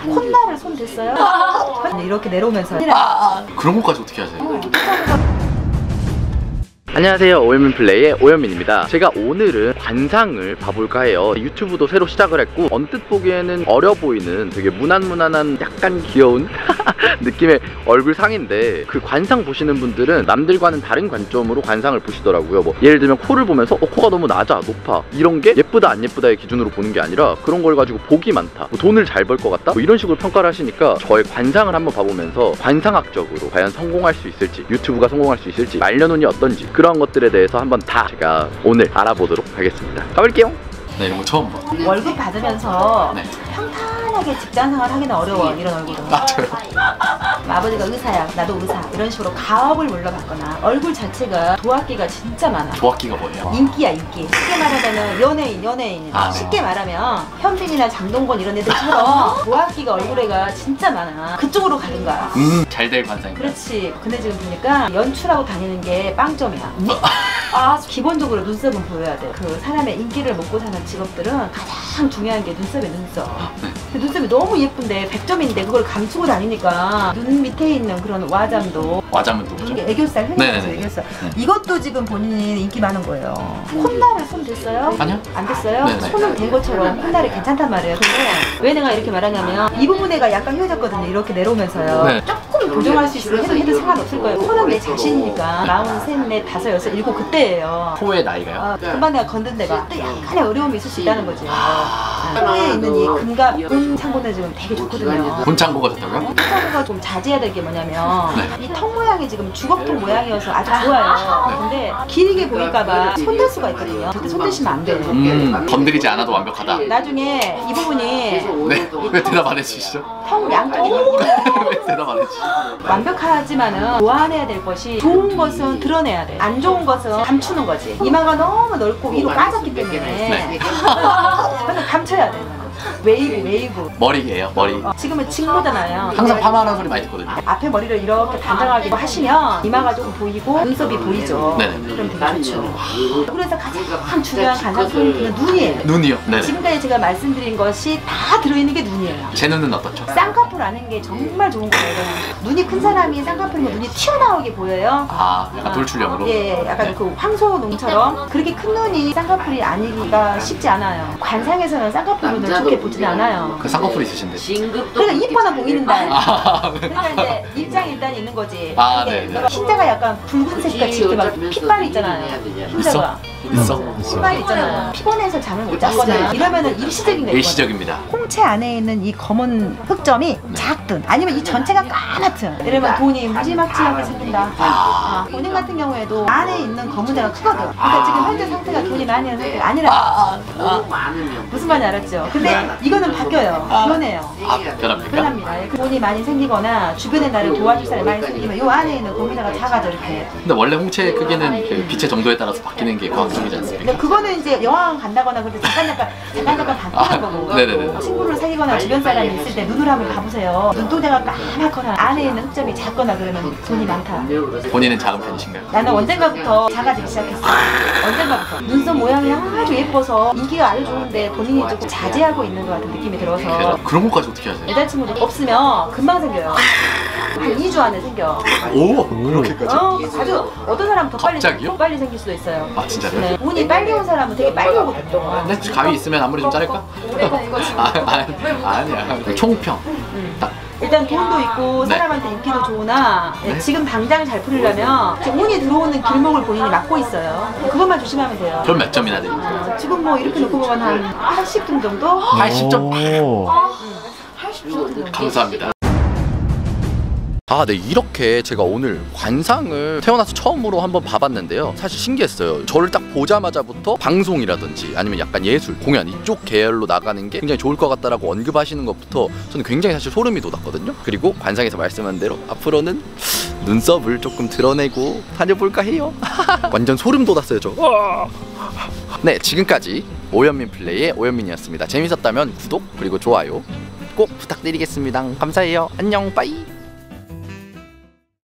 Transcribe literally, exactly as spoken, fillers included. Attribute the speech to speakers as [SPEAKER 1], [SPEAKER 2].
[SPEAKER 1] 콧날을 손 댔어요? 이렇게 내려오면서
[SPEAKER 2] 아, 그런 것까지 어떻게 하세요?
[SPEAKER 3] 안녕하세요, 오현민플레이의 오현민입니다. 제가 오늘은 관상을 봐볼까 해요. 유튜브도 새로 시작을 했고 언뜻 보기에는 어려 보이는 되게 무난무난한 약간 귀여운 느낌의 얼굴상인데, 그 관상 보시는 분들은 남들과는 다른 관점으로 관상을 보시더라고요. 뭐 예를 들면 코를 보면서 어, 코가 너무 낮아, 높아, 이런 게 예쁘다 안 예쁘다의 기준으로 보는 게 아니라 그런 걸 가지고 복이 많다, 뭐 돈을 잘 벌 것 같다, 뭐 이런 식으로 평가를 하시니까 저의 관상을 한번 봐보면서 관상학적으로 과연 성공할 수 있을지, 유튜브가 성공할 수 있을지, 말년운이 어떤지, 그런 것들에 대해서 한번 다 제가 오늘 알아보도록 하겠습니다. 가볼게요.
[SPEAKER 2] 네, 이런 거 처음 봐.
[SPEAKER 1] 월급 받으면서
[SPEAKER 2] 네.
[SPEAKER 1] 평탄하게 직장생활 하기는 어려워. 이런 얼굴은.
[SPEAKER 2] 맞아요.
[SPEAKER 1] 아버지가 의사야, 나도 의사, 이런 식으로 가업을 물러받거나 얼굴 자체가 도학기가 진짜 많아.
[SPEAKER 2] 도학기가 뭐예요?
[SPEAKER 1] 인기야, 인기. 쉽게 말하면 연예인, 연예인.
[SPEAKER 2] 아, 네.
[SPEAKER 1] 쉽게 말하면 현빈이나 장동건 이런 애들처럼 도학기가 얼굴에가 진짜 많아. 그쪽으로 가는 거야.
[SPEAKER 2] 음, 잘 될 관상입니다.
[SPEAKER 1] 그렇지. 근데 지금 보니까 연출하고 다니는 게 빵점이야. 아, 기본적으로 눈썹은 보여야 돼. 그 사람의 인기를 먹고 사는 직업들은 가장 중요한 게 눈썹이야, 눈썹.
[SPEAKER 2] 네.
[SPEAKER 1] 근데 눈썹이 너무 예쁜데 백 점인데 그걸 감추고 다니니까 눈 밑에 있는 그런 와잠도,
[SPEAKER 2] 와잠은 또 뭐죠?
[SPEAKER 1] 이게 애교살, 흔히 애교살.
[SPEAKER 2] 네.
[SPEAKER 1] 이것도 지금 본인이 인기 많은 거예요. 콧날을 손 댔어요?
[SPEAKER 2] 아니요.
[SPEAKER 1] 안 됐어요?
[SPEAKER 2] 네네.
[SPEAKER 1] 손을 댄 것처럼 콧날이 괜찮단 말이에요. 근데 왜 내가 이렇게 말하냐면 이 부분에가 약간 휘어졌거든요. 이렇게 내려오면서.
[SPEAKER 2] 네.
[SPEAKER 1] 조금 교정할 수 있으면 해도 해도 상관없을 거예요. 코는 내 자신이니까 마흔, 셋, 넷, 다섯, 여섯, 일곱 그때예요.
[SPEAKER 2] 코의 나이가요?
[SPEAKER 1] 아, 금방 내가 건든 데가 또 약간의 어려움이 있을 수 있다는 거죠. 아, 코에 있는 이 금갑, 본 창고는 지금 되게 좋거든요.
[SPEAKER 2] 본창고가 좋다고요?
[SPEAKER 1] 턱가 좀 자제해야 될 게 뭐냐면
[SPEAKER 2] 네.
[SPEAKER 1] 이 턱 모양이 지금 주걱턱 모양이어서 아주 좋아요. 근데 길게 보일까봐 손댈 수가 있거든요. 절대 손대시면 안 돼요.
[SPEAKER 2] 음, 건드리지 않아도 완벽하다.
[SPEAKER 1] 나중에 이 부분이
[SPEAKER 2] 네? 왜 대답 안 해주시죠?
[SPEAKER 1] 턱 양쪽이
[SPEAKER 2] 왜 대답 안 해주시죠?
[SPEAKER 1] 완벽하지만은 보완해야 될 것이, 좋은 것은 드러내야 돼. 안 좋은 것은 감추는 거지. 이마가 너무 넓고 위로 빠졌기 때문에
[SPEAKER 2] 네.
[SPEAKER 1] 그래서 감춰야 돼. 웨이브, 웨이브.
[SPEAKER 2] 머리예요, 머리.
[SPEAKER 1] 어, 지금은 직모잖아요.
[SPEAKER 2] 항상 파마하는 소리 많이 듣거든요.
[SPEAKER 1] 앞에 머리를 이렇게 단정하게 하시면 이마가 조금 보이고 눈썹이 보이죠.
[SPEAKER 2] 네네.
[SPEAKER 1] 그럼 되게 좋죠. 그래서 가장 중요한 관상 포인트는 눈이에요.
[SPEAKER 2] 눈이요? 네네.
[SPEAKER 1] 지금까지 제가 말씀드린 것이 다 들어있는 게 눈이에요.
[SPEAKER 2] 제 눈은 어떻죠?
[SPEAKER 1] 쌍꺼풀하는 게 정말 좋은 거예요. 눈이 큰 사람이 쌍꺼풀이면 눈이 튀어나오게 보여요.
[SPEAKER 2] 아, 약간 돌출형으로?
[SPEAKER 1] 예, 약간
[SPEAKER 2] 네.
[SPEAKER 1] 그 황소농처럼. 그렇게 큰 눈이 쌍꺼풀이 아니기가 쉽지 않아요. 관상에서는 쌍꺼풀 눈을 좋게 보지는 않아요.
[SPEAKER 2] 그 쌍꺼풀 있으신데.
[SPEAKER 1] 그러니까 이뻐나 보이는데.
[SPEAKER 2] 아,
[SPEAKER 1] 그러니까 이제 입장이 일단 있는 거지.
[SPEAKER 2] 아,
[SPEAKER 1] 이게
[SPEAKER 2] 네네.
[SPEAKER 1] 흰자가 약간 붉은색 같이 이렇게 막 핏발이 있잖아요. 흰자가.
[SPEAKER 2] 있어?
[SPEAKER 1] 핏발이 있잖아요. 피곤해서 잠을 못 잤거나 이러면은 일시적인 거예요.
[SPEAKER 2] 일시적입니다.
[SPEAKER 1] 홍채 안에 있는 이 검은 흑점이 작든 아니면 이 전체가 까맣든, 이러면 돈이 무지막지하게 생긴다. 아, 본인 같은 경우에도 안에 있는 검은 데가 크거든. 그러니까 지금 현재 상태가 돈이 많이 하는 상태가 아니라.
[SPEAKER 2] 아, 아,
[SPEAKER 1] 무슨 말인지 알았죠? 근데 이거는 바뀌어요. 변해요.
[SPEAKER 2] 아, 변합니까?
[SPEAKER 1] 변합니다. 예, 돈이 많이 생기거나 주변에 나를 도와줄 사람이 많이 생기면 이 안에 있는 검은데가 작아져, 이렇게.
[SPEAKER 2] 근데 원래 홍채 크기는 그 빛의 정도에 따라서 바뀌는 게 과학적이지 않습니까?
[SPEAKER 1] 근데 그거는 이제 여행 간다거나 그럴 때 잠깐 잠깐 잠깐 잠깐 바뀌는
[SPEAKER 2] 아,
[SPEAKER 1] 거고.
[SPEAKER 2] 네네네.
[SPEAKER 1] 친구를 사귀거나 주변 사람이 있을 때 눈을 한번 봐보세요. 눈동자가 까맣거나 안에 있는 흑점이 작거나 그러면 돈이 많다.
[SPEAKER 2] 본인은 작은 편이신가요?
[SPEAKER 1] 나는 언젠가부터 작아지기 시작했어. 언젠가부터. 눈썹 모양이 아주 예뻐서 인기가 아주 좋은데 본인이 조금 자제하고 있는 것 같은 느낌이 들어서.
[SPEAKER 2] 그런 것까지 어떻게 하세요?
[SPEAKER 1] 여자친구도 없으면 금방 생겨요. 한 이 주 안에 생겨.
[SPEAKER 2] 오! 그렇게까지?
[SPEAKER 1] 어, 아주 어떤 사람은 더 빨리,
[SPEAKER 2] 갑자기요?
[SPEAKER 1] 더 빨리 생길 수도 있어요.
[SPEAKER 2] 아, 진짜요?
[SPEAKER 1] 네. 운이 빨리 온 사람은 되게 빨리 오거든요.
[SPEAKER 2] 근데 가위 있으면 아무리 좀 자를까? 아, 아, 아니야. 총평.
[SPEAKER 1] 음.
[SPEAKER 2] 딱.
[SPEAKER 1] 일단 돈도 있고
[SPEAKER 2] 네.
[SPEAKER 1] 사람한테 인기도 좋으나
[SPEAKER 2] 네.
[SPEAKER 1] 지금 당장 잘 풀리려면 지금 운이 들어오는 길목을 본인이 막고 있어요. 그것만 조심하면 돼요.
[SPEAKER 2] 그럼 몇 점이나 드립니까?
[SPEAKER 1] 어, 지금 뭐 이렇게 놓고 보면 한 팔십 점 정도?
[SPEAKER 2] 팔십 점?
[SPEAKER 1] 팔십 점 정도.
[SPEAKER 2] 감사합니다.
[SPEAKER 3] 아, 네, 이렇게 제가 오늘 관상을 태어나서 처음으로 한번 봐봤는데요. 사실 신기했어요. 저를 딱 보자마자부터 방송이라든지 아니면 약간 예술, 공연 이쪽 계열로 나가는 게 굉장히 좋을 것 같다라고 언급하시는 것부터 저는 굉장히 사실 소름이 돋았거든요. 그리고 관상에서 말씀한 대로 앞으로는 눈썹을 조금 드러내고 다녀볼까 해요. 완전 소름 돋았어요, 저. 네, 지금까지 오현민 플레이의 오현민이었습니다. 재밌었다면 구독 그리고 좋아요 꼭 부탁드리겠습니다. 감사해요. 안녕, 빠이.